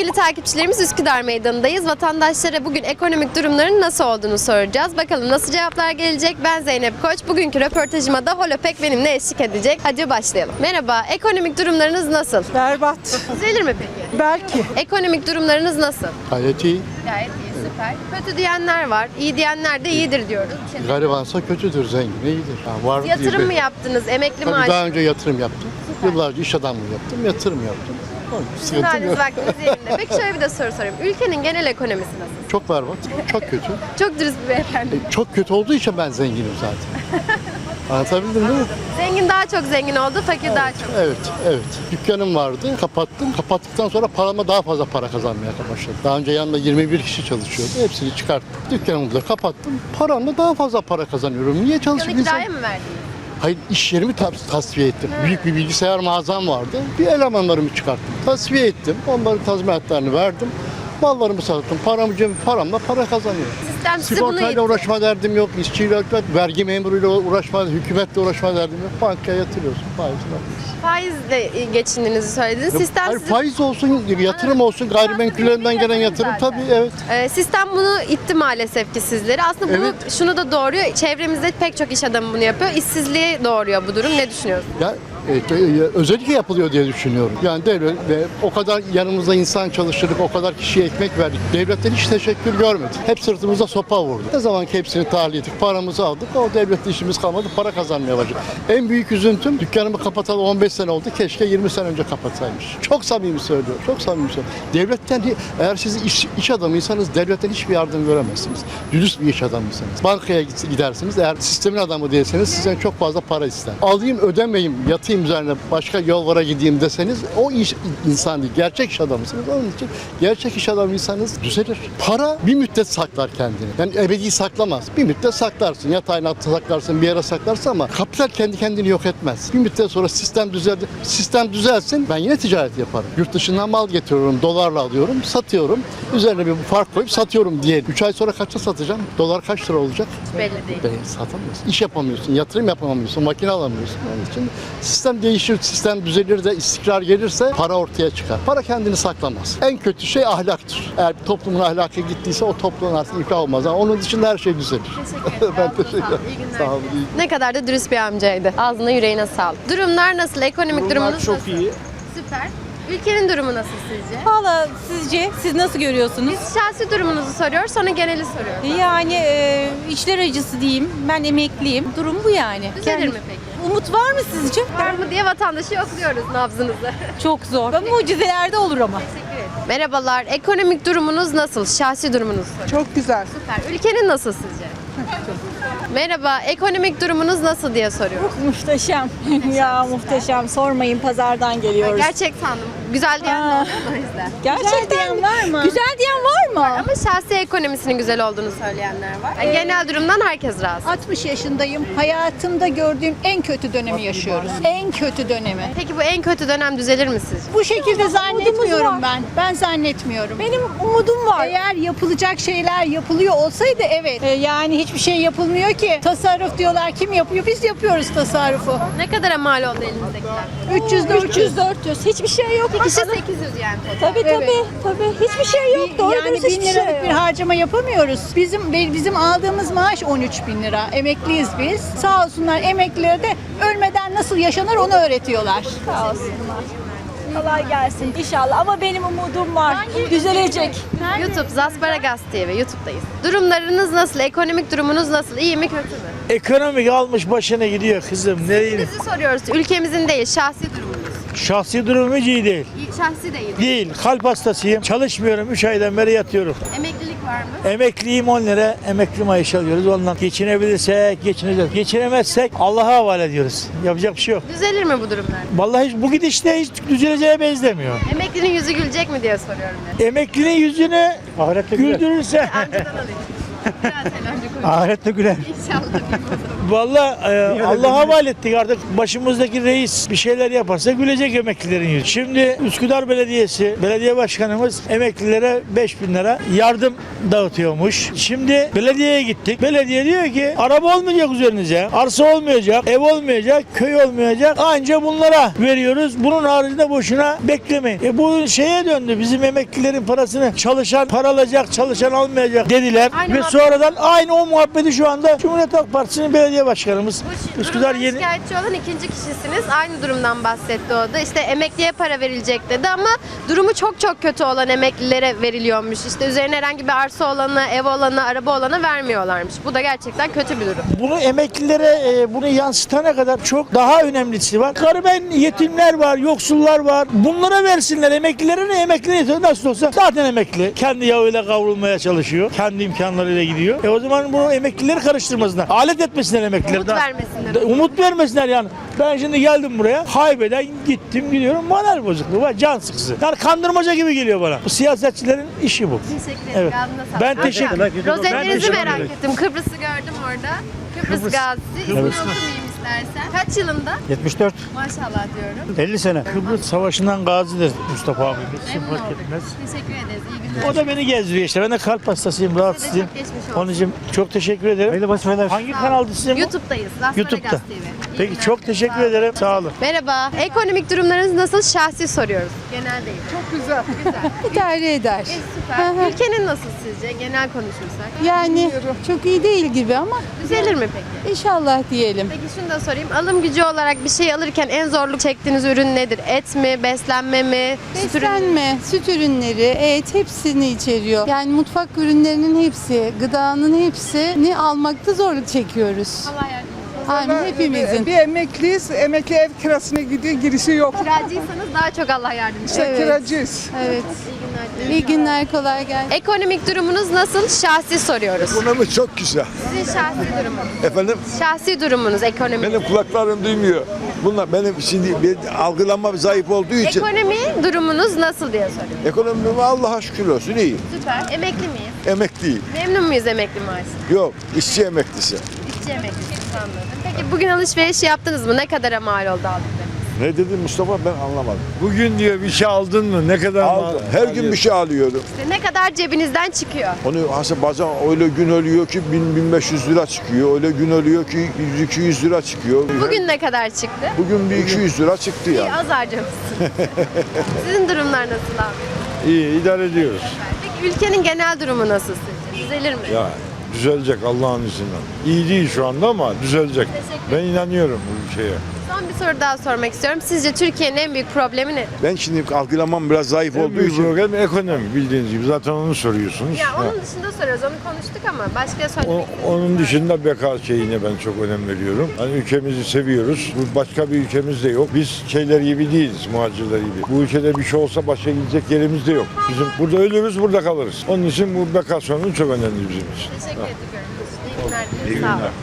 Sevgili takipçilerimiz, Üsküdar Meydanı'ndayız. Vatandaşlara bugün ekonomik durumların nasıl olduğunu soracağız. Bakalım nasıl cevaplar gelecek? Ben Zeynep Koç. Bugünkü röportajıma da Holopek benimle eşlik edecek. Hadi başlayalım. Merhaba, ekonomik durumlarınız nasıl? Berbat. Düzelir mi peki? Belki. Ekonomik durumlarınız nasıl? Gayet iyi. Gayet iyi, süper. Kötü diyenler var, iyi diyenler de iyidir diyoruz. Garibansa kötüdür, zengin iyidir. Ha, var Yatırım gibi. mı yaptınız? Emekli Tabii maaşı? daha önce yatırım yaptım. Yıllarca iş adamlığı yaptım, yatırım yaptım. Sıkıntı Haliniz yok. vaktiniz yerinde. Peki şöyle bir de soru sorayım. Ülkenin genel ekonomisi nasıl? Çok berbat, çok kötü. Çok dürüst bir beyefendi. Çok kötü olduğu için ben zenginim zaten. Anlatabildim değil mi? Zengin daha çok zengin oldu, fakir daha çok. Evet. Dükkanım vardı, kapattım. Kapattıktan sonra parama daha fazla para kazanmaya başladım. Daha önce yanında 21 kişi çalışıyordu. Hepsini çıkarttım. Dükkanımı da kapattım. Paramla daha fazla para kazanıyorum. Niye çalışayım? Dükkanı kiraya mı verdiniz? Hayır, iş yerimi tasfiye ettim. Büyük bir bilgisayar mağazam vardı. Bir elemanlarımı çıkarttım. Tasfiye ettim. Onların tazminatlarını verdim. Mallarımı sattım. Paramla para kazanıyorum. Sistem sizi bunu Sigortayla itti. uğraşma derdim yok. İşçiyle uğraşma, vergi memuruyla uğraşma, hükümetle uğraşma derdim yok. Bankaya yatırıyorsun. Faizle alıyorsun. Faizle geçindiğinizi söylediniz. Sistem Hayır, sizi... faiz olsun, yatırım olsun, gayrimenkullerinden gelen yatırım zaten. tabii evet. Sistem bunu itti maalesef ki sizleri. Aslında bunu Evet. şunu da doğuruyor. Çevremizde pek çok iş adamı bunu yapıyor. İşsizliğe doğuruyor bu durum. Ne düşünüyorsunuz? Ya özellikle yapılıyor diye düşünüyorum. Yani devlet ve o kadar yanımızda insan çalıştırdık, o kadar kişiye ekmek verdik. Devletten hiç teşekkür görmedik. Hep sırtımıza sopa vurdu. Ne zaman ki hepsini tahliye ettik, paramızı aldık, o devlette işimiz kalmadı, para kazanmaya başladık. En büyük üzüntüm, dükkanımı kapatalı 15 sene oldu, keşke 20 sene önce kapatsaymış. Çok samimi söylüyorum, çok samimi söylüyorum. Devletten, eğer siz iş adamıysanız devletten hiçbir yardım göremezsiniz. Dürüst bir iş adamıysanız. Bankaya gidersiniz, eğer sistemin adamı değilseniz sizden çok fazla para ister. Alayım ödemeyim, yatayım üzerine başka yollara gideyim deseniz o insan değil. Gerçek iş adamısınız. Onun için gerçek iş adamıysanız düzelir. Para bir müddet saklar kendini. Yani ebedi saklamaz. Bir müddet saklarsın. Yatağın altına saklarsın, bir yere saklarsın ama kapital kendi kendini yok etmez. Bir müddet sonra sistem düzeldi. Sistem düzelsin. Ben yine ticaret yaparım. Yurt dışından mal getiriyorum. Dolarla alıyorum. Satıyorum. Üzerine bir fark koyup satıyorum diye. 3 ay sonra kaça satacağım? Dolar kaç lira olacak? Belli değil. Satamıyorsun. İş yapamıyorsun. Yatırım yapamıyorsun. Makine alamıyorsun. Onun için sistem değişir, sistem düzelir de istikrar gelirse para ortaya çıkar. Para kendini saklamaz. En kötü şey ahlaktır. Eğer bir toplumun ahlakı gittiyse o toplumun artık iflah olmaz. Ama onun dışında her şey düzelir. Teşekkür ederim. Ben Ağzına teşekkür sağlık. ederim. İyi günler. Sağ olun. iyi Ne kadar da dürüst bir amcaydı. Ağzına yüreğine sağlık. Durumlar nasıl? Ekonomik durumunuz çok nasıl? iyi. Süper. Ülkenin durumu nasıl sizce? Valla sizce siz nasıl görüyorsunuz? Biz şahsi durumunuzu soruyoruz, sonra geneli soruyoruz. Yani içler acısı diyeyim. Ben emekliyim. Durum bu yani. Düzelir mi peki? Umut var mı sizce? Var mı diye vatandaşı yokluyoruz nabzınızı. Çok zor. Mucizelerde olur ama. Teşekkür ederim. Merhabalar. Ekonomik durumunuz nasıl? Şahsi durumunuzu soruyoruz. Çok güzel. Süper. Ülkenin nasıl sizce? Merhaba. Ekonomik durumunuz nasıl diye soruyoruz. Muhteşem. Ya muhteşem. Sormayın, pazardan geliyoruz. Gerçek sandım. Güzel diyen de oldu o yüzden. Gerçekten var mı? Güzel diyen var mı? Ama şahsi ekonomisinin güzel olduğunu söyleyenler var. Yani genel durumdan herkes razı. 60 yaşındayım. Hayatımda gördüğüm en kötü dönemi yaşıyoruz. En kötü dönemi. Peki bu en kötü dönem düzelir mi sizce? Bu şekilde zannetmiyorum var. ben. Ben zannetmiyorum. Benim umudum var. Eğer yapılacak şeyler yapılıyor olsaydı evet. Yani hiçbir şey yapılmıyor ki. Tasarruf diyorlar. Kim yapıyor? Biz yapıyoruz tasarrufu. Ne kadara mal oldu elinizdekiler? 300 400. 400 hiçbir şey yok. Bir kişi 800 yani total. Tabii. Hiçbir şey yok. Doğru Yani dürüst 1000 hiçbir şey liralık bir yok. harcama yapamıyoruz. Bizim aldığımız maaş 13.000 lira. Emekliyiz biz. Sağ olsunlar emeklilere de ölmeden nasıl yaşanır onu öğretiyorlar. Sağ olsunlar. Kolay gelsin inşallah ama benim umudum var. Düzelecek. YouTube Zasparagas TV YouTube'dayız. Durumlarınız nasıl? Ekonomik durumunuz nasıl? İyi mi kötü mü? Ekonomik almış başına gidiyor kızım. Ne diyeyim? Bizi soruyoruz. Ülkemizin değil, şahsi durumunuz. Şahsi durumum hiç iyi değil. Şahsi değil. Değil. Kalp hastasıyım. Çalışmıyorum. 3 aydan beri yatıyorum. Emeklilik var mı? Emekliyim 10 lira. Emekli maaşı alıyoruz. Ondan geçinebilirsek geçineceğiz. Geçinemezsek Allah'a havale ediyoruz. Yapacak bir şey yok. Düzelir mi bu durumlar? Vallahi bu gidişte hiç düzeleceğe benzemiyor. Emeklinin yüzü gülecek mi diye soruyorum ben. Emeklinin yüzünü güldürürse Amcadan alayım. Biraz eğlence konuşalım. Ahirette güler. İnşallah diyeyim o zaman. Vallahi Allah'a havale ettik artık. Başımızdaki reis bir şeyler yaparsa gülecek emeklilerin yüzü. Şimdi Üsküdar Belediyesi, belediye başkanımız emeklilere 5.000 lira yardım dağıtıyormuş. Şimdi belediyeye gittik. Belediye diyor ki araba olmayacak üzerinize, arsa olmayacak, ev olmayacak, köy olmayacak. Anca bunlara veriyoruz. Bunun haricinde boşuna beklemeyin. Bu şeye döndü. Bizim emeklilerin parasını çalışan paralacak, çalışan almayacak dediler. Aynı Ve muhabbet- sonradan aynı o muhabbeti şu anda Cumhuriyet Halk Partisi'nin belediye başkanımız Bu Üsküdar durumdan Yeni şikayetçi olan ikinci kişisiniz. Aynı durumdan bahsetti o da. İşte emekliye para verilecek dedi ama durumu çok çok kötü olan emeklilere veriliyormuş. İşte üzerine herhangi bir arsa olana, ev olana, araba olana vermiyorlarmış. Bu da gerçekten kötü bir durum. bunu emeklilere bunu yansıtana kadar çok daha önemlisi var. Gariben yetimler var, yoksullar var. Bunlara versinler emeklilere ne emekli nasıl olsa zaten emekli. Kendi yağıyla kavrulmaya çalışıyor. Kendi imkanlarıyla gidiyor. O zaman bunu emeklileri karıştırmasınlar. Alet etmesinler emeklileri. Umut vermesinler. Umut vermesinler yani. Ben şimdi geldim buraya. Haybeden gittim gidiyorum. Moral bozukluğu var. Can sıkısı. Yani kandırmaca gibi geliyor bana. Bu siyasetçilerin işi bu. Teşekkür ederim. Evet. Ağzına sağlık. Ben teşekkür ederim. Ben Rozetlerinizi teşekkür merak ederim. ettim. Kıbrıs'ı gördüm orada. Kıbrıs gazisi. İsmini okumayayım istersen. Kaç yılında? 74. Maşallah diyorum. 50 sene. Kıbrıs Savaşı'ndan gazidir Mustafa abimiz. Memnun Fark olduk. etmez. Teşekkür ederiz. İyi günler. O da beni gezdiriyor işte. Ben de kalp hastasıyım, rahatsızım. çok geçmiş olsun. Onun için çok teşekkür ederim. Hayırlı vazifeler. Hangi kanalda sizin bu? YouTube'dayız. Las YouTube'da. Vegas TV. İyi Peki günler. çok teşekkür Sağ olun. ederim. Sağ olun. Merhaba. Ekonomik durumlarınız nasıl? Şahsi soruyoruz. Genel değil. Çok güzel. İdare eder. Süper. Ülkenin nasıl sizce? Genel konuşursak. Yani çok iyi değil gibi ama Düzelir mi peki? inşallah diyelim. Peki şunu da sorayım. Alım gücü olarak bir şey alırken en zorluk çektiğiniz ürün nedir? Et mi? Beslenme mi? Süt ürünü mü? Beslenme, süt ürünleri, et hepsini içeriyor. Yani mutfak ürünlerinin hepsi, gıdanın hepsini almakta zorluk çekiyoruz. Allah yardımcınız olsun. Yani hepimizin. Bir emekliyiz, emekli ev kirasına gidiyor, girişi yok. Kiracıysanız daha çok Allah yardımcınız İşte olsun. Evet. kiracıyız. Evet. İyi günler diliyorum. İyi günler, kolay gelsin. Ekonomik durumunuz nasıl? Şahsi soruyoruz. Ekonomi çok güzel. Sizin şahsi durumunuz. Efendim Şahsi durumunuz ekonomik. benim kulaklarım duymuyor. Bunlar benim şimdi bir algılanma zayıf olduğu için Ekonomi durumunuz nasıl diye soruyorum. ekonomime Allah'a şükür olsun iyi. Süper. Emekli miyiz? Emekliyim. Memnun muyuz emekli maaşı? Yok işçi emeklisi. İşçi emeklisi anladım. Peki bugün alışveriş yaptınız mı? Ne kadara mal oldu aldıklarınız? Ne dedin Mustafa ben anlamadım. Bugün diyor bir şey aldın mı? Ne kadar Aldım. Her gün bir şey alıyorum. İşte ne kadar cebinizden çıkıyor? Onu aslında bazen öyle gün oluyor ki 1000-1500 lira çıkıyor. Öyle gün oluyor ki 100-200 lira çıkıyor. Bugün ne kadar çıktı? Bugün bir 200 lira çıktı İyi, yani. az harcamışsınız. Sizin durumlar nasıl abi? iyi idare ediyoruz. Peki ülkenin genel durumu nasıl sizce? Düzelir mi? Ya düzelecek Allah'ın izniyle. İyi değil şu anda ama düzelecek. Teşekkür Ben inanıyorum bu şeye. Son bir soru daha sormak istiyorum. Sizce Türkiye'nin en büyük problemi nedir? Ben şimdi algılamam biraz zayıf En olduğu büyük için problem ekonomi bildiğiniz gibi. Zaten onu soruyorsunuz. Ya Ha. onun dışında soruyoruz. Onu konuştuk ama başka söylemek Onun dışında beka şeyine ben çok önem veriyorum. Hani ülkemizi seviyoruz. Bu başka bir ülkemiz de yok. Biz şeyler gibi değiliz, muhacirler gibi. Bu ülkede bir şey olsa başka gidecek yerimiz de yok. Bizim burada ölürüz, burada kalırız. Onun için bu beka sorunu çok önemli bizim için. Teşekkür ediyorum. İyi günler. İyi Sağ olun. günler.